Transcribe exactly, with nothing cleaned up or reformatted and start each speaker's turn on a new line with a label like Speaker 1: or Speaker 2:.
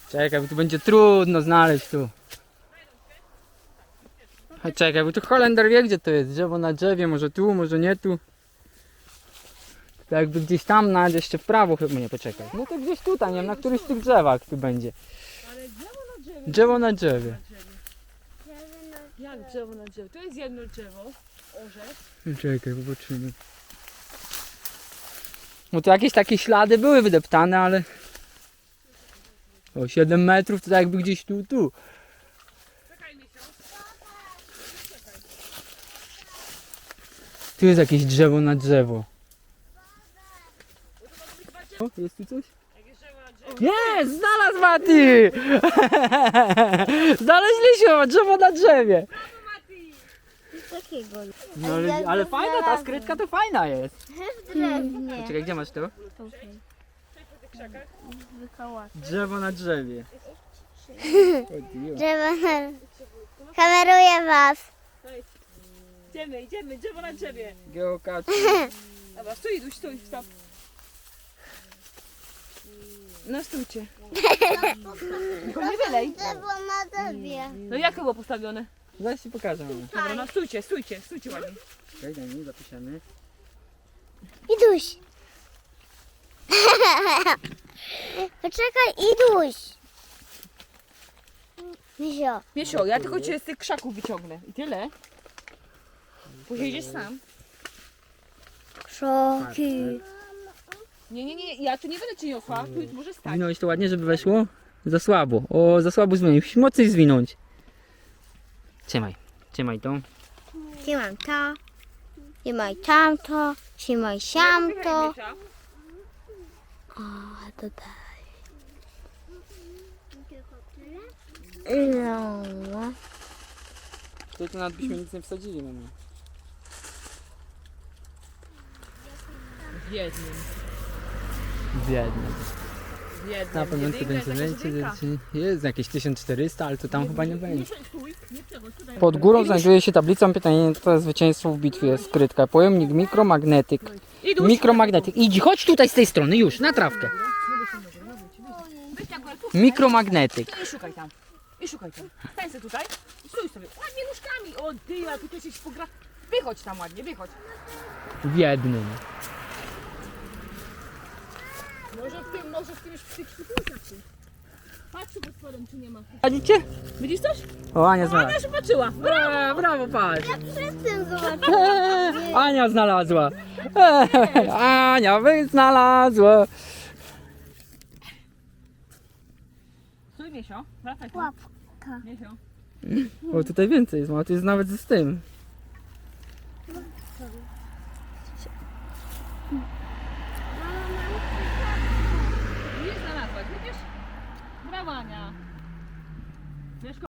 Speaker 1: Czekaj, bo tu będzie trudno znaleźć tu. A czekaj, bo tu Holender wie gdzie to jest. Drzewo na drzewie, może tu, może nie tu. To jakby gdzieś tam nawet jeszcze w prawo chyba nie, poczekaj. No to gdzieś tutaj, nie wiem, na któryś z tych drzewach tu będzie.
Speaker 2: Ale drzewo na drzewie.
Speaker 1: Drzewo na drzewie.
Speaker 2: Jak drzewo na drzewie? To jest jedno drzewo. Orzech.
Speaker 1: Czekaj, zobaczymy. No to jakieś takie ślady były wydeptane, ale... O siedem metrów to tak jakby gdzieś tu, tu.
Speaker 2: Czekaj, Misio.
Speaker 1: Tu jest jakieś drzewo na drzewo. O, jest tu coś?
Speaker 2: Jak jest drzewo na drzewie.
Speaker 1: Jest! Znalazł Mati! Znaleźliśmy drzewo na drzewie.
Speaker 2: Mati!
Speaker 3: Takiego.
Speaker 1: No, ale, ale fajna ta skrytka to fajna jest.
Speaker 3: Drewnie.
Speaker 1: Czekaj, gdzie masz to?
Speaker 3: Wykoła.
Speaker 1: Drzewo na drzewie.
Speaker 3: Drzewo na... Kameruję was.
Speaker 2: Idziemy, idziemy, drzewo na drzewie.
Speaker 1: Geokaczy.
Speaker 2: Dobra, stój, Iduś, stój, stop. No stójcie. Tylko nie wylej.
Speaker 3: Drzewo na drzewie.
Speaker 2: No jak to było postawione?
Speaker 1: Zaraz ci pokażę. Mama.
Speaker 2: Dobra, no stójcie, stójcie, stójcie ładnie.
Speaker 1: Czekaj, daj mi, zapiszemy.
Speaker 3: Iduś. Poczekaj, Iduś. Misio.
Speaker 2: Miesio, ja tylko cię z tych krzaków wyciągnę. I tyle. Później idziesz sam.
Speaker 3: Krzoki.
Speaker 2: Nie, nie, nie, ja tu nie będę cię niosła. Tu może stać.
Speaker 1: Zwinąć to ładnie, żeby weszło? Za słabo. O, za słabo zwinąć. Musisz mocniej zwinąć. Trzymaj. Trzymaj to.
Speaker 3: Trzymaj to. Trzymaj tamto. Trzymaj siamto. O, tutaj. No.
Speaker 1: To tu nawet byśmy nic nie wsadzili, mama.
Speaker 2: W jednym.
Speaker 1: Biedny.
Speaker 2: W jednym.
Speaker 1: Na pewno to
Speaker 2: Jedynka jest
Speaker 1: będzie
Speaker 2: jakaś jedynka.
Speaker 1: więcej. Jest jakieś tysiąc czterysta, ale to tam chyba nie będzie.
Speaker 2: Stój, nie przechodź, tutaj.
Speaker 1: Pod górą znajduje się tablica pytania to zwycięstwo w bitwie skrytka. Pojemnik mikromagnetyk.
Speaker 2: Iduś.
Speaker 1: Mikromagnetyk. Idź, chodź tutaj z tej strony, już, na trawkę.
Speaker 2: Weź tak, ale tu
Speaker 1: Mikromagnetyk.
Speaker 2: I szukaj tam. I szukaj tam. Stań sobie tutaj. I stój sobie. Ładnie nóżkami. O ty, a tu coś się pogra... Wychodź tam ładnie, wychodź.
Speaker 1: W jednym.
Speaker 2: Może w tym, może w tym już w tych szpitulkach. Patrz pod spodem, czy nie ma.
Speaker 1: Widzicie?
Speaker 2: Widzisz coś?
Speaker 1: O, Ania
Speaker 2: Ona
Speaker 1: znalazła.
Speaker 2: już patrzyła.
Speaker 1: Brawo, brawo, patrz.
Speaker 3: Jestem zobaczyć.
Speaker 1: Ania znalazła. Ania wy znalazła.
Speaker 2: Stój, Miesio. Wracaj tu.
Speaker 3: Łapka.
Speaker 2: Miesio.
Speaker 1: O, tutaj więcej jest, ma, tu jest nawet z tym.
Speaker 2: Nie znalazłaś, widzisz? Brawo, Ania. Wiesz,